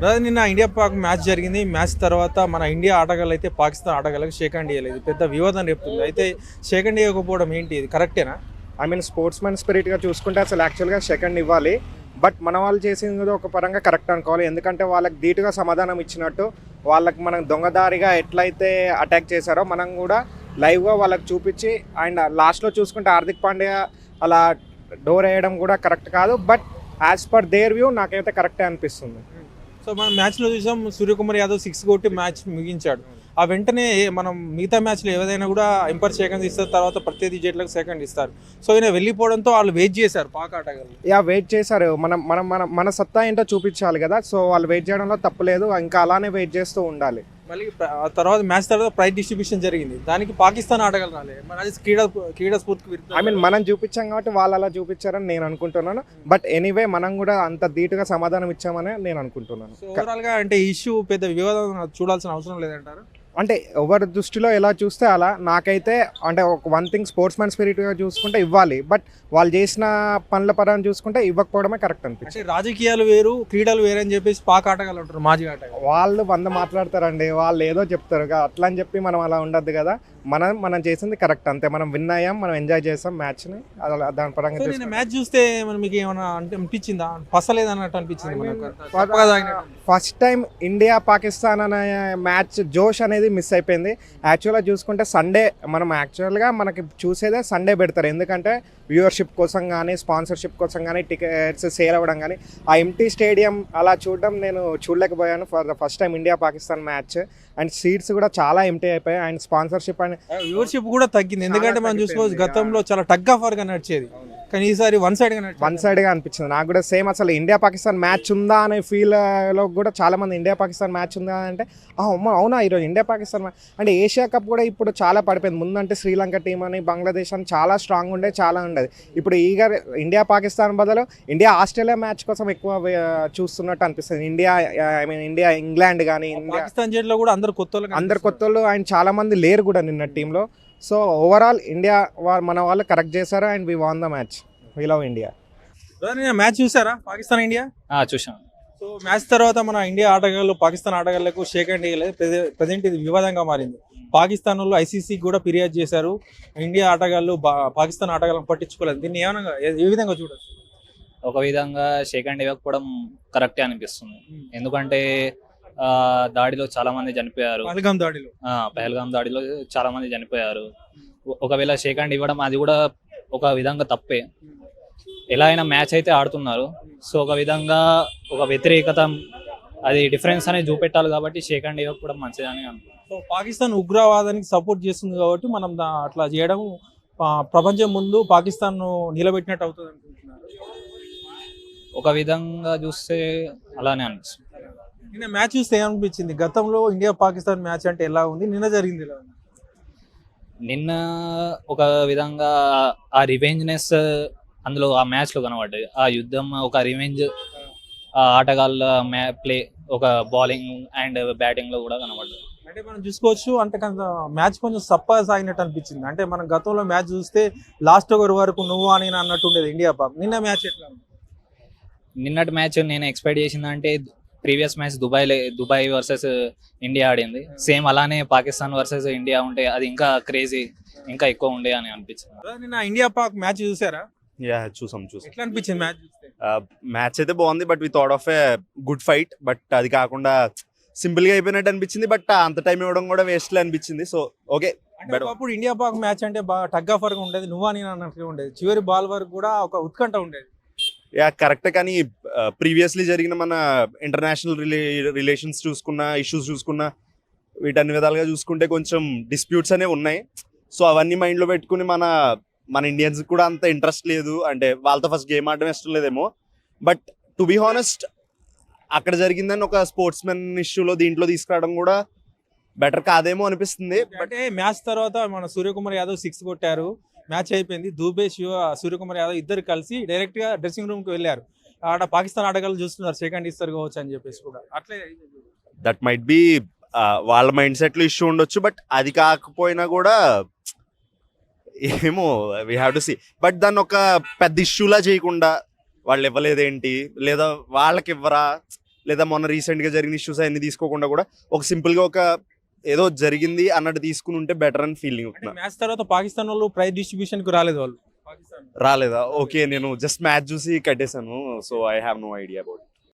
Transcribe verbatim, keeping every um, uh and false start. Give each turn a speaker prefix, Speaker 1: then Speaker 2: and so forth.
Speaker 1: అదే నిన్న India Pak match జరిగింది. మ్యాచ్ తర్వాత మన ఇండియా ఆటగాళ్ళు అయితే పాకిస్తాన్ ఆటగాళ్ళకి షేక్ హ్యాండ్ ఇవ్వలేదు. పెద్ద వివాదం రేపుతుంది. అయితే షేక్ హ్యాండ్ ఇవ్వకపోవడం ఏంటి, ఇది కరెక్టేనా?
Speaker 2: ఐ మీన్ స్పోర్ట్స్ మ్యాన్ స్పిరిట్గా చూసుకుంటే అసలు యాక్చువల్గా సెకండ్ ఇవ్వాలి. బట్ మన వాళ్ళు చేసింది ఒక పరంగా కరెక్ట్ అనుకోవాలి. ఎందుకంటే వాళ్ళకి ధీటుగా సమాధానం ఇచ్చినట్టు వాళ్ళకి మనం దొంగదారిగా ఎట్లయితే అటాక్ చేశారో మనం కూడా లైవ్గా వాళ్ళకి చూపించి అండ్ లాస్ట్లో చూసుకుంటే హార్దిక్ పాండ్యా అలా డోర్ వేయడం కూడా కరెక్ట్ కాదు. But as per their view నాకైతే కరెక్టే అనిపిస్తుంది.
Speaker 1: సో మనం మ్యాచ్లో చూసాం, సూర్యకుమార్ యాదవ్ సిక్స్ కొట్టి మ్యాచ్ ముగించాడు. ఆ వెంటనే మనం మిగతా మ్యాచ్లో ఏదైనా కూడా ఎంపైర్ సెకండ్ ఇస్తారు, తర్వాత ప్రత్యర్థి జట్లకు సెకండ్ ఇస్తారు. సో ఈయన వెళ్ళిపోవడంతో వాళ్ళు వెయిట్ చేశారు పాక్ ఆటగాళ్ళు.
Speaker 2: యా వెయిట్ చేశారు. మనం మనం మన మన సత్తా ఏంటో చూపించాలి కదా. సో వాళ్ళు వెయిట్ చేయడంలో తప్పులేదు, ఇంకా అలానే వెయిట్ చేస్తూ ఉండాలి.
Speaker 1: మళ్ళీ ఆ తర్వాత మ్యాచ్ తర్వాత ప్రైజ్ డిస్ట్రిబ్యూషన్ జరిగింది. దానికి పాకిస్తాన్ ఆటగాళ్ళు రాలే. మన అది క్రీడా క్రీడా స్ఫూర్తికి విరుద్ధం.
Speaker 2: ఐ మీన్ మనం చూపించాం కాబట్టి వాళ్ళు అలా చూపించారని నేను అనుకుంటున్నాను. బట్ ఎనీవే మనం కూడా అంత ధీటుగా సమాధానం ఇచ్చామని నేను అనుకుంటున్నాను.
Speaker 1: సో ఓవరాల్గా అంటే ఈ ఇష్యూ పెద్ద వివాదం చూడాల్సిన అవసరం లేదంటారు.
Speaker 2: అంటే ఎవరి దృష్టిలో ఎలా చూస్తే అలా. నాకైతే అంటే ఒక వన్ థింగ్ స్పోర్ట్స్ మ్యాన్ స్పిరిట్గా చూసుకుంటే ఇవ్వాలి. బట్ వాళ్ళు చేసిన పనుల పరంగా చూసుకుంటే ఇవ్వకపోవడమే కరెక్ట్ అనిపించింది.
Speaker 1: అంటే రాజకీయాలు వేరు, క్రీడలు వేరు అని చెప్పేసి పాక్ ఆటగాళ్ళు ఉంటారు, మాజీ ఆటగాళ్ళు.
Speaker 2: వాళ్ళు వంద మాట్లాడతారండి, వాళ్ళు ఏదో చెప్తారు అట్లా అని చెప్పి మనం అలా ఉండద్దు కదా. మనం మనం చేసింది కరెక్ట్ అంతే. మనం విన్ అయ్యాం, మనం ఎంజాయ్ చేసాం మ్యాచ్ని. అలా దాని పరంగా
Speaker 1: నేను మ్యాచ్ చూస్తే మనం మీకు ఏమైనా అంటే అనిపించిందా, పసలేదు అన్నట్టు అనిపించింది?
Speaker 2: ఫస్ట్ టైం ఇండియా పాకిస్తాన్ అనే మ్యాచ్ జోష్ అనేది మిస్ అయిపోయింది. యాక్చువల్గా చూసుకుంటే సండే మనం యాక్చువల్గా మనకి చూసేదే సండే పెడతారు. ఎందుకంటే వ్యూవర్షిప్ కోసం కానీ స్పాన్సర్షిప్ కోసం కానీ టికెట్స్ సేల్ అవ్వడం కానీ. ఆ ఎంటీ స్టేడియం అలా చూడడం నేను చూడలేకపోయాను for the first time India Pakistan match. And seats కూడా చాలా ఎంటీ అయిపోయాయి. అండ్ స్పాన్సర్షిప్ అండ్
Speaker 1: వ్యూవర్షిప్ కూడా తగ్గింది. ఎందుకంటే మనం చూసుకోవచ్చు, గతంలో చాలా టగ్ ఆఫ్ గా నడిచేది, కానీ ఈసారి వన్ సైడ్ గా
Speaker 2: వన్ సైడ్ గా అనిపించింది నాకు కూడా. సేమ్ అసలు ఇండియా పాకిస్తాన్ మ్యాచ్ ఉందా అనే ఫీల్ లో కూడా చాలా మంది ఇండియా పాకిస్తాన్ మ్యాచ్ ఉందా అంటే అవునా ఈరోజు ఇండియా పాకిస్తాన్ మ్యాచ్ అంటే. ఏషియా కప్ కూడా ఇప్పుడు చాలా పడిపోయింది. ముందంటే శ్రీలంక టీం అని బంగ్లాదేశ్ అని చాలా స్ట్రాంగ్ ఉండే, చాలా ఉండేది. ఇప్పుడు ఈగ ఇండియా పాకిస్తాన్ బదులు ఇండియా ఆస్ట్రేలియా మ్యాచ్ కోసం ఎక్కువ చూస్తున్నట్టు అనిపిస్తుంది. India I mean India England కానీ
Speaker 1: పాకిస్తాన్ జట్లో కూడా అందరు కొత్త
Speaker 2: అందరు కొత్త వాళ్ళు అండ్ చాలా మంది లేరు కూడా నిన్న టీంలో. సో ఓవరాల్ ఇండియా మన వాళ్ళు కరెక్ట్ చేశారు and we won the match. We love India.
Speaker 1: Match చూసారా పాకిస్తాన్ ఇండియా?
Speaker 3: చూసాం.
Speaker 1: సో మ్యాచ్ తర్వాత మన ఇండియా ఆటగాళ్ళు పాకిస్తాన్ ఆటగాళ్లకు షేక్ హ్యాండ్ ఇవ్వలేదు. ప్రజెంట్ ఇది వివాదంగా మారింది. పాకిస్తాన్ వాళ్ళు ఐసీసీ కూడా ఫిర్యాదు చేశారు. ఇండియా ఆటగాళ్ళు పాకిస్తాన్ ఆటగాళ్ళని పట్టించుకోలేదు. దీన్ని ఏమన్నా ఏ విధంగా చూడొచ్చు?
Speaker 3: ఒక విధంగా షేక్ హ్యాండ్ ఇవ్వకపోవడం కరెక్టే అనిపిస్తుంది. ఎందుకంటే దాడిలో చాలా మంది చనిపోయారు.
Speaker 1: పహల్గాం దాడిలో
Speaker 3: పహల్గాం దాడిలో చాలా మంది చనిపోయారు. ఒకవేళ షేక్ హ్యాండ్ ఇవ్వడం అది కూడా ఒక విధంగా తప్పే. ఎలా అయినా మ్యాచ్ అయితే ఆడుతున్నారు. సో ఒక విధంగా ఒక వ్యతిరేకత, అది డిఫరెన్స్ అనేది చూపెట్టాలి కాబట్టి షేక్ హ్యాండ్ ఇవ్వకపోవడం మంచిదని అనుకుంటున్నాను.
Speaker 1: సో పాకిస్తాన్ ఉగ్రవాదానికి సపోర్ట్ చేస్తుంది కాబట్టి మనం అట్లా చేయడం ప్రపంచం ముందు పాకిస్తాన్ నిలబెట్టినట్టు అవుతుంది అనుకుంటున్నారు.
Speaker 3: ఒక విధంగా చూస్తే అలానే అనిపిస్తుంది.
Speaker 1: నిన్న మ్యాచ్ చూస్తే ఏమనిపించింది? గతంలో ఇండియా పాకిస్తాన్ మ్యాచ్ అంటే ఎలా ఉంది, నిన్న జరిగింది ఎలా ఉంది?
Speaker 3: నిన్న ఒక విధంగా ఆ రివెంజ్నెస్ అందులో ఆ మ్యాచ్ లో కనబడ్డది. ఆ యుద్ధం, ఒక రివెంజ్ ఆ ఆటగాళ్ళ మ్యా ప్లే, ఒక బౌలింగ్ అండ్ బ్యాటింగ్ లో కూడా కనబడ్డది.
Speaker 1: అంటే మనం చూసుకోవచ్చు, అంటే మ్యాచ్ కొంచెం సప్పగా సాగినట్టు అనిపించింది. అంటే మనం గతంలో మ్యాచ్ చూస్తే లాస్ట్ ఓవర్ వరకు నువ్వు అని అన్నట్టు ఉండేది ఇండియా పాక్. నిన్న మ్యాచ్ ఎట్లా ఉంది?
Speaker 3: నిన్నటి మ్యాచ్ నేను ఎక్స్పెక్ట్ చేసిందంటే previous match Dubai Dubai versus India ఆడింది. సేమ్ అలానే పాకిస్తాన్ వర్సెస్ ఇండియా ఉంటే అది ఇంకా క్రేజీ, ఇంకా ఎక్కువ ఉండే అని అనిపించింది.
Speaker 1: నిన్న ఇండియా పాక్ మ్యాచ్ చూసారా?
Speaker 4: యా చూసాం చూసాం.
Speaker 1: ఎట్లా అనిపించింది మ్యాచ్ చూస్తే?
Speaker 4: మ్యాచ్ అయితే బాగుంది, but we thought of a good fight. But అది కాకుండా సింపుల్ గా అయిపోయినట్టు అనిపించింది. బట్ అంత టైం ఇవ్వడం కూడా వేస్ట్ అనిపించింది. So okay.
Speaker 1: అప్పుడు ఇండియా పాక్ మ్యాచ్ అంటే బాగా టగ్ ఆఫ్ వరకు ఉండేది, నువ్వు అని అన్నట్టుగా ఉండేది. చివరి బాల్ వరకు కూడా ఒక ఉత్కంఠ ఉండేది.
Speaker 4: Yeah correct. కానీ ప్రీవియస్లీ జరిగిన మన ఇంటర్నేషనల్ రిలే రిలేషన్స్ చూసుకున్న, ఇష్యూస్ చూసుకున్న, వీటన్ని విధాలుగా చూసుకుంటే కొంచెం డిస్ప్యూట్స్ అనేవి ఉన్నాయి. సో అవన్నీ మైండ్లో పెట్టుకుని మన మన ఇండియన్స్ కూడా అంత ఇంట్రెస్ట్ లేదు. అంటే వాళ్ళతో ఫస్ట్ గేమ్ ఆడడం ఇష్టం లేదేమో. బట్ టు బీ హానెస్ట్ అక్కడ జరిగిందని ఒక స్పోర్ట్స్ మెన్ ఇష్యూలో దీంట్లో తీసుకురావడం కూడా బెటర్ కాదేమో అనిపిస్తుంది.
Speaker 1: అంటే మ్యాచ్ తర్వాత మన సూర్యకుమార్ యాదవ్ సిక్స్ కొట్టారు, మ్యాచ్ అయిపోయింది. దూబే, శివ, సూర్యకుమార్ యాదవ్ ఇద్దరు కలిసి డైరెక్ట్ గా డ్రెస్సింగ్ రూమ్ కి వెళ్ళారు. ఆడ పాకిస్తాన్ ఆటగాళ్ళు చూస్తున్నారు సెకండ్ ఇస్తారు కావచ్చు అని చెప్పేసి కూడా. అట్లే
Speaker 4: దట్ మైట్ బి వాళ్ళ మైండ్ సెట్ లో ఇష్యూ ఉండొచ్చు. బట్ అది కాకపోయినా కూడా ఏమో we have to see. But దాన్ని ఒక పెద్ద ఇష్యూలా చేయకుండా వాళ్ళు ఇవ్వలేదేంటి, లేదా వాళ్ళకి ఇవ్వరా, లేదా మొన్న రీసెంట్గా జరిగిన ఇష్యూస్ అవన్నీ తీసుకోకుండా కూడా ఒక సింపుల్గా ఒక ఏదో జరిగింది అన్నట్టు తీసుకుని ఉంటే బెటర్ అని ఫీలింగ్ ఉంటున్నా.
Speaker 1: మ్యాచ్ తర్వాత పాకిస్తాన్ వాళ్ళు ప్రైజ్ డిస్ట్రిబ్యూషన్ కు రాలేదు వాళ్ళు పాకిస్తాన్.
Speaker 4: రాలేదా? ఓకే, నేను జస్ట్ మ్యాచ్ చూసి కట్టేశాను, so I have no idea about.